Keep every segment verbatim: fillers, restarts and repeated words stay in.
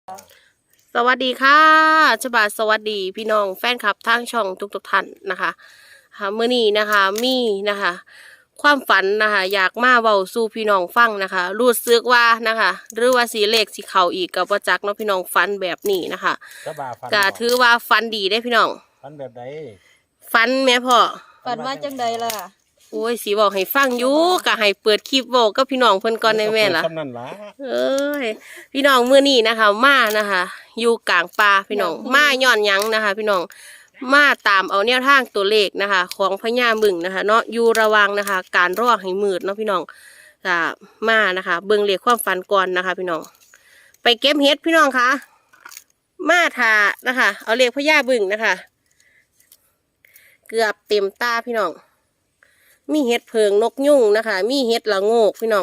สวัสดีค่ะฉบับสวัสดีพี่น้องแฟนคลับทางช่องทุกๆท่านนะคะค่ะเมื่อนี้นะคะมีนะคะความฝันนะคะอยากมาเว้าสู่พี่น้องฟังนะคะรู้สึกว่านะคะหรือว่าสีเลขสีเข่าอีกกับประจักษ์เนาะพี่น้องฝันแบบนี้นะคะก็ถือว่าฝันดีได้พี่น้องฝันแบบใดฝันแม่พ่อฝันว่าจังใดล่ะโอ้ยสีบอกให้ฟังอยู่ก็ให้เปิดคลิปบอกก็พี่น้องเพิ่นก่อนในแม่ล่ะเอ้ยพี่น้องมื้อนี้นะคะมานะคะอยู่กลางป่าพี่น้องมาย้อนหยังนะคะพี่น้องมาตามเอาแนวทางตัวเลขนะคะของพญาบึ้งนะคะเนาะอยู่ระวังนะคะการรอให้มืดเนาะพี่น้องก็มานะคะเบิ่งเลขความฝันก่อนนะคะพี่น้องไปเก็บเห็ดพี่น้องคะมาทานะคะเอาเลขพญาบึ้งนะคะเกือบเต็มตาพี่น้องมีเห็ดเพิงนกยุ่งนะคะมีเห็ดละโงกพี่น้อง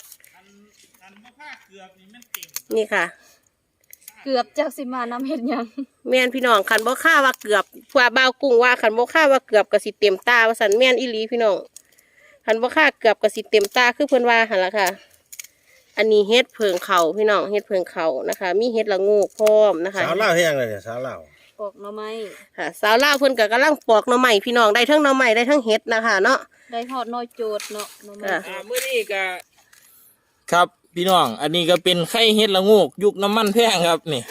นี่ค่ะเกือบจากสิมาน้ำเห็ดยังแม่นพี่น้องขันบ่ค่าว่าเกือบเพื่อบ่าวกุ้งว่าขันบ่ค่าว่าเกือบกระสิเต็มตาว่าสันแม่นอีหลีพี่น้องขันบ่ค่าเกือบกระสิเต็มตาคือเพิ่นว่าหันละค่ะอันนี้เห็ดเพิงเขาพี่น้องเห็ดเพิงเขานะคะมีเห็ดละโงกพร้อมนะคะสาวเล่าเฮ็ดยังไงเนี่ยสาวเล่าปอกหน่อไม้ค่ะสาวลาวเพิ่นก็กำลังปอกหน่อไม้พี่น้องได้ทั้งหน่อไม้ได้ทั้งเห็ดนะคะเนาะได้ทอดน้อยโจดเนาะหน่อไม้อ่ามื้อนี้ก็ครับพี่น้องอันนี้ก็เป็นไข่เห็ดละโงกยุคน้ำมันแพงครับนี่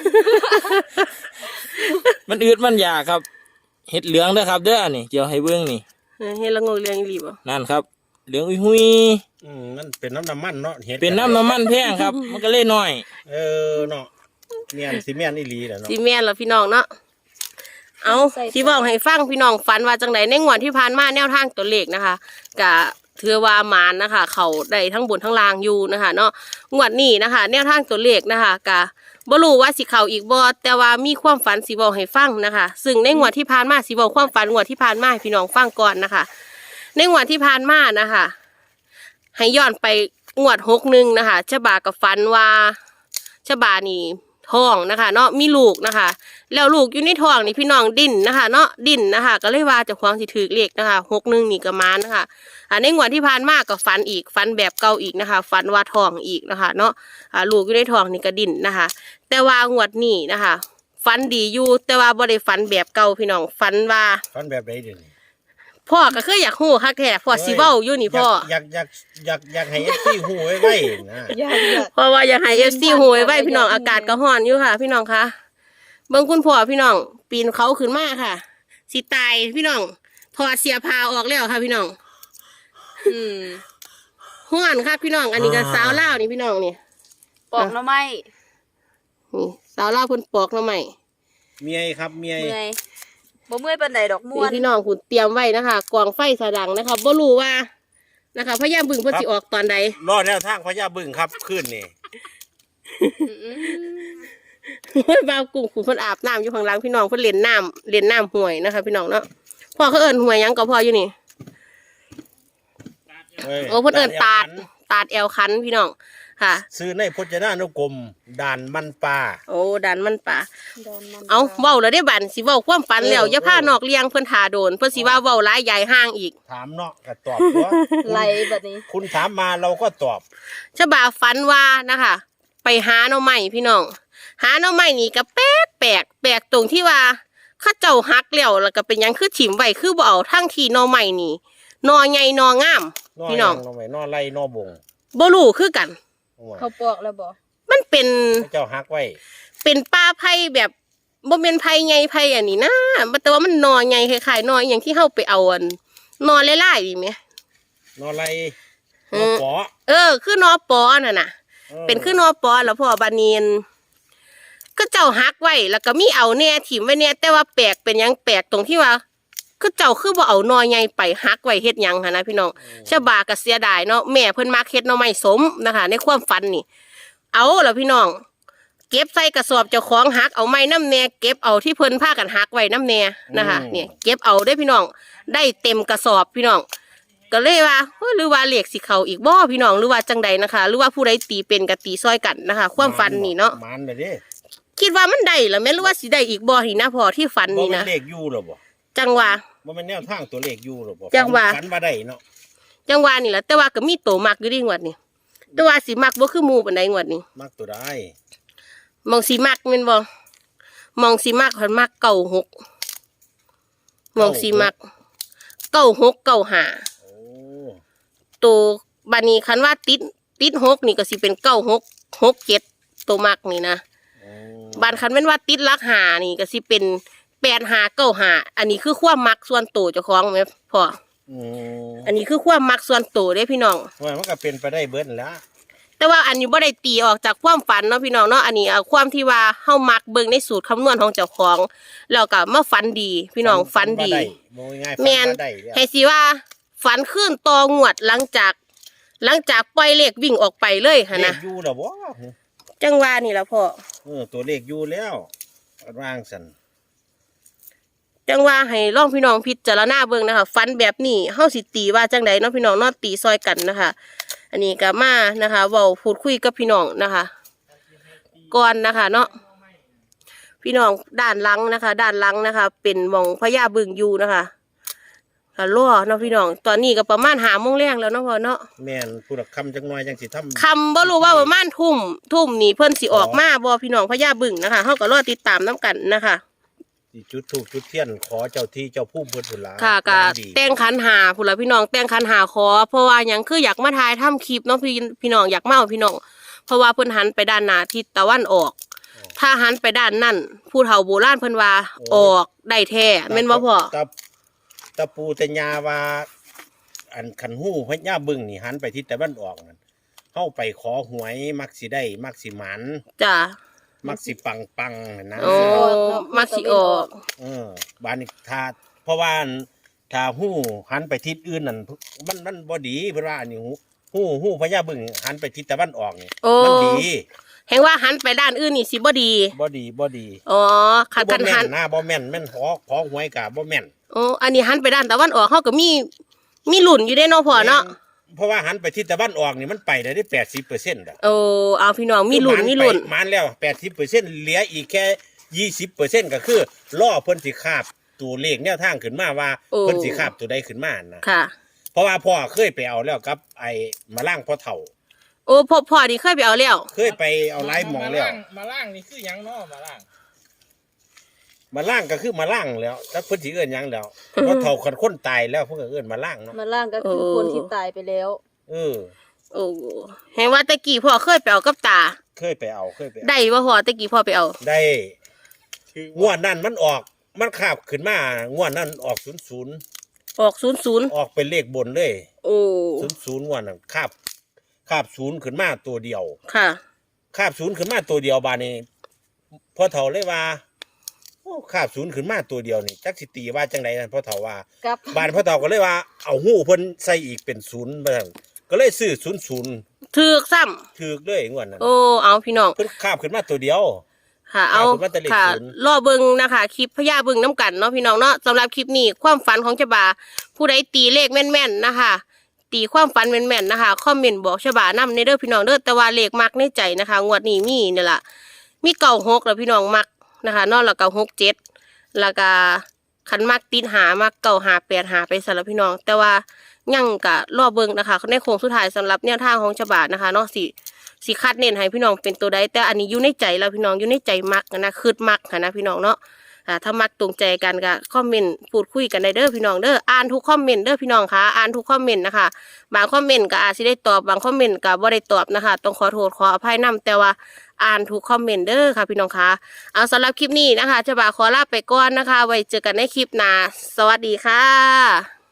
มันอืดมันยากครับเห็ดเหลืองเด้อครับเด้อนี่เกี่ยวให้เบิ่งนี่เห็ดละโงกเหลืองอีหลีบ่นั่นครับเหลืองอุ้ยหุยอืมมันเป็นน้ำน้ำมันเนาะเห็ดเป็นน้ำน้ำมันแพงครับมันก็เลยน้อยเออเนาะเมียนสิเมียนอีหลีแหละเนาะสิแม่นล่ะพี่น้องเนาะเอาที่บอกให้ฟังพี่น้องฝันว่าจังไดในงวดที่ผ่านมาแนวทางตัวเลขนะคะกะถือว่าหมานนะคะเขาได้ทั้งบนทั้งล่างอยู่นะคะเนาะงวดนี้นะคะแนวทางตัวเลขนะคะกะบ่รู้ว่าสิเขาอีกบ่แต่ว่ามีความฝันสิบอกให้ฟังนะคะซึ่งในงวดที่ผ่านมาสิบอกความฝันงวดที่ผ่านมาให้พี่น้องฟังก่อนนะคะในงวดที่ผ่านมานะคะให้ย้อนไปงวดหกหนึ่งนะคะฉบากับฝันว่าฉบานี่ท้องนะคะเนาะมีลูกนะคะแล้วลูกอยู่ในท้องนี่พี่น้องดิ้นนะคะเนาะดิ้นนะคะก็เลยว่าจะควงสิถือเลขนะคะหกหนึ่งนี่ก็มานะคะอ่าในงวดที่ผ่านมาก็ฝันอีกฝันแบบเก่าอีกนะคะฝันว่าท้องอีกนะคะเนาะอ่าลูกอยู่ในท้องนี่ก็ดิ้นนะคะแต่ว่างวดนี้นะคะฝันดีอยู่แต่ว่าบ่ได้ฝันแบบเก่าพี่น้องฝันว่าฝันแบบไหนเดี๋ยวนี้พ่อก็คืออยากฮู้คักแท้พ่อสิเว้าอยู่นี่พ่ออยากอยากอยากอยากให้เอฟซีฮู้ไว้ไว้นะเพราะว่าอยากให้เอฟซีฮู้ไว้ไว้พี่น้องอากาศก็ร้อนอยู่ค่ะพี่น้องคะเบิ่งคุณพ่อพี่น้องปีนเขาขึ้นมาค่ะสิตายพี่น้องถอดเสียผ้าออกแล้วค่ะพี่น้องอืมห้อนค่ะพี่น้องอันนี้ก็สาวลาวนี่พี่น้องนี่ปอกหน่อไม้นี่สาวลาวเพิ่นปอกหน่อไม้เมียครับเมียเมื่อยบ่เมื่อยปานใดดอกม่วนพี่น้องคุณเตรียมไว้นะคะกองไฟสะดังนะคะบ่รู้ว่านะคะพญาบึ้งเพิ่นสิออกตอนใดรอแนวทางพญาบึ้งครับขึ้นนี่บ่าวกุ้งคุณเพิ่นอาบน้ำอยู่ข้างหลังพี่น้องเพิ่นเล่นน้ำเล่นน้ำห่วยนะคะพี่น้องเนาะพ่อเขาเอิ้นห่วยยังก็พ่ออยู่นี่โอ้เพิ่นเอิ้นตาดตาดแอลคันพี่น้องค่ะซื้อในพจนานุกรมด่านมันปลาโอ้ด่านมันปลาเอาเว้าแล้วได้บัดสิเว้าความฝันแล้วอย่าพานอกเลี้ยงเพิ่นท่าโดนเพิ่นสิว่าเว้าหลายใหญ่ห้างอีกถามเนาะก็ตอบตัวไหลบัดนี้คุณถามมาเราก็ตอบฉบับฝันว่านะคะไปหาหน่อไม้พี่น้องหาหน่อไม้นี่ก็แปลกแปลกแปลกตรงที่ว่าข้าเจ้าฮักแล้วแล้วก็เป็นยังคือถิ่มไว้คือบ่เอาทั้งที่หน่อไม้นี่หน่อใหญ่หน่องามพี่น้องหน่อไม้หน่อไรหน่อบงบ่รู้คือกันเขาปอกแล้วบ่มันเป็นเจ้าฮักไว้เป็นป่าไผ่แบบบ่แม่นไผ่ใหญ่ไผ่อันนี้นะแต่ว่ามันหน่อใหญ่คล้ายๆหน่ออย่างที่เฮาไปเอาอันหน่อหลายๆนี่แหมหน่อไรหน่อปอเออคือหน่อปอน่ะน่ะเป็นคือหน่อปอแล้วพ่อบานีนก็เจ้าฮักไว้แล้วก็มีเอาแน่ถิ่มไว้เนี่ยแต่ว่าแปลกเป็นยังแปลกตรงที่ว่าก็เจ้าคือบ่เอาหน่อใหญ่ไปฮักไว้เฮ็ดหยังค่ะนะพี่น้องชาวบ้านก็เสียดายเนาะแม่เพิ่นมักเฮ็ดหน่อไม้สมนะคะในความฝันนี่เอาล่ะพี่น้องเก็บใส่กระสอบเจ้าของฮักเอาไม้น้ำแน่เก็บเอาที่เพิ่นพากันฮักไว้น้ำแน่นะคะเนี่ยเก็บเอาได้พี่น้องได้เต็มกระสอบพี่น้องก็เลยว่าหรือว่าเลขสิเขาอีกบ่พี่น้องหรือว่าจังใดนะคะหรือว่าผู้ใดตีเป็นกับตีซอยกันนะคะความฝันนี่เนาะมันเลยดิคิดว่ามันได้หรือไม่หรือว่าสิได้อีกบ่นี่นะพอที่ฝันนี่นะเลขอยู่หรอบ่จังหวะบ่แม่นแนวทางตัวเลขอยู่หรอบ่จังหวะฝันว่าได้เนาะจังหวะนี่แหละแต่ว่าก็มีโตมักอยู่ดีงวดนี้แต่ว่าสิมักบ่คือหมู่ปานใดงวดนี้มักตัวใดมองสีมักแม่นบ่มองสีมักเพิ่นมักเก้าหกมองสีมักเก้าหกเก้าห้าโอ้ตัวบัดนี้คันว่าติดติดหกนี่ก็สิเป็นเก้าหกหกเจ็ดตัวมักนี่นะโอ้บัดคันแม่นว่าติดหลักห้านี่ก็สิเป็นแปดห้าเก้าห้าอันนี้คือความมักส่วนตัวเจ้าของแม่พ่ออืมอันนี้คือความมักส่วนตัวเด้พี่น้องว่ามันก็เป็นไปได้เบิดนั่นแหล้วแต่ว่าอันนี้บ่ได้ตีออกจากความฝันเนาะพี่น้องเนาะอันนี้เอาความที่ว่าเฮามักเบิ่งในสูตรคำนวณของเจ้าของแล้วก็มาฝันดี พี่น้องฝันดีโมง่ายๆฝันแม่นบ่ได้แล้วให้สิว่าฝันขึ้นต่องวดหลังจาก หลังจากปล่อยเลขวิ่งออกไปเลยหั่นเลนะขอยู่แล้วบ่จังว่านี่ล่ะพ่อเออตัวเลขอยู่แล้วร่างสันจังว่าให้ลองพี่น้องพิจารณาเบิ่งนะคะฝันแบบนี้เฮาสิตีว่าจังใดเนาะพี่น้องเนาะตีซอยกันนะคะ อันนี้ก็มานะคะเว้าพูดคุยกับพี่น้องนะคะ ก่อนนะคะเนาะพี่น้องด้านหลังนะคะ ด้านหลังนะคะ เป็นหม่องพญาบึงอยู่นะคะก็รอเนาะพี่น้องตอนนี้ก็ประมาณหาโมงแรงแล้วเนาะพ่อเนาะแม่นผู้ละคำจังน้อยจังสิทำคำบ่รู้ว่าประมาณทุ่มทุ่มนี่เพิ่นสิออกมาบ่พี่น้องพญาบึงนะคะเฮาก็รอติดตามน้กันนะคะสิจุดถูกจุดเทียนขอเจ้าที่เจ้าผู้เพิ่นพุ่นล่ะค่ะก็ดีแต่งขันหาพุ่นละพี่น้องแต่งขันหาขอ เพราะว่าหยังคืออยากมาถ่ายทำคลิปเนาะพี่พี่น้องอยากมาเอาพี่น้องเพราะว่าเพิ่นหันไปด้านหน้าทิศตะวันออก ถ้าหันไปด้านนั่นผู้เฒ่าโบราณเพิ่นว่าออกได้แท้แม่นบ่พ่อตะตะปูแต่ยาว่า อันคันหู้พญาบึ้งนี่หันไปทิศตะวันออกนั่นเฮาไปขอหวยมักสิได้มักสิหมันจ้ะมักสิปังปังๆนะโอ้มักสิออกเออบานนี้ถ้าเพราะว่าถ้าหู้หันไปทิศอื่นนั่นมันมันบ่ดีเพราะว่าอันนี้หูหู้หู้พญาบึ้งหันไปทิศตะวันออกนี่โอ้มันดีแห่งว่าหันไปด้านอื่นนี่สิบ่ดีบ่ดีบ่ดีอ๋อคันบ่คันแม่หันนนะบ่แม่นแม่นขอขอหวยกะบ่แม่นโอ้อันนี้หันไปด้านตะวันออกเฮาก็มีมีหลุ่นอยู่ได้เนาะพ่อเนาะแม่เพราะว่าหันไปทิศตะวันออกนี่มันไปได้แปดสิบเปอร์เซ็นต์อ่ะโอ้เอาพี่น้องมีหลุ่นมีหลุ่นมันแล้วแปดสิบเปอร์เซ็นต์เหลืออีกแค่ยี่สิบเปอร์เซ็นต์ก็คือล่อเพิ่นสิคาบตัวเลขแนวทางขึ้นมาว่าโอ้เพิ่นสิคาบตัวใดขึ้นมานะค่ะเพราะว่าพ่อเคยไปเอาแล้วกับไอ้มาล่างพ่อเฒ่าโอ้พ่อพ่อนี่เคยไปเอาแล้วเคยไปเอาไล่หมองแล้วมาล่างนี่คือหยังเนาะมาล่างมาล่างก็คือมาล่างแล้วถ้าเพิ่นสิเอิ้นหยังแล้วพ่อเฒ่าคนคนตายแล้วเพิ่นก็เอิ้นมาล่างเนาะมาล่างก็คือคนที่ตายไปแล้วเออโอ้เห็นว่าตะกี้พ่อเคยไปเอากับตาเคยไปเอาเคยไปเอาได้ว่าพ่อตะกี้พ่อไปเอาได้งวดนั้นมันออกมันคาบขึ้นมางวดนั้นออกศูนย์ศูนย์ออกศูนย์ศูนย์ออกเป็นเลขบนเลยโอ้ศูนย์ศูนย์งวดนั้นคาบคาบศูนย์ขึ้นมาตัวเดียวค่ะคาบศูนย์ขึ้นมาตัวเดียวบาดนี้พ่อเฒ่าเลยว่าโอ้คาบศูนย์ขึ้นมาตัวเดียวนี่จักสิตีว่าจังไดนั่นพ่อเฒ่าว่ากับบาดพ่อเฒ่าก็เลยว่าเอาหู้เพิ่นใส่อีกเป็นศูนย์บ่ซั่นก็เลยซื้อศูนย์ศูนย์ถือกซ้ถูกเลยงวดนั้นำโอ้เอาพี่น้องเพิ่นคาบขึ้นมาตัวเดียวค่ะ เอาเอาเป็นว่าแต่เลขค่ะศูนย์รอเบิงนะคะคลิปพญาเบิงน้ำกันเนาะพี่น้องเนาะสำหรับคลิปนี้ความฝันของฉบาผู้ใดตีเลขแม่นๆนะคะ ตีความฝันแม่นๆนะคะคอมเมนต์บอกฉบานำในเด้อพี่น้องเด้อแต่ว่าเลขมักในใจนะคะงวดนี้มีนี่แหละมีเก่าหกแล้วพี่น้องมักนะคะนอกแล้วก็หกเจ็ดแล้วก็ขันมักติดหามักเก่าหาแปดหาไปสำหรับพี่น้อง แต่ว่ายังกะรอเบิงนะคะในโค้งสุดท้ายสำหรับแนวทางของฉบานะคะเนาะสิสิคัดเน้นให้พี่น้องเป็นตัวใดแต่อันนี้อยู่ในใจแล้วพี่น้องอยู่ในใจมักนะคืดมักค่ะนะพี่น้องเนาะอ่าถ้ามักตรงใจกันก็คอมเมนต์พูดคุยกันได้เด้อพี่น้องเด้ออ่านทุกคอมเมนต์เด้อพี่น้องค่ะอ่านทุกคอมเมนต์นะคะบางคอมเมนต์ก็อาจสิได้ตอบบางคอมเมนต์ก็บ่ได้ตอบนะคะต้องขอโทษขออภัยนำแต่ว่าอ่านทุกคอมเมนต์เด้อค่ะพี่น้องค่ะเอาสำหรับคลิปนี้นะคะฉบาขอลาไปก่อนนะคะ ไว้เจอกันในคลิปหน้าสวัสดีค่ะ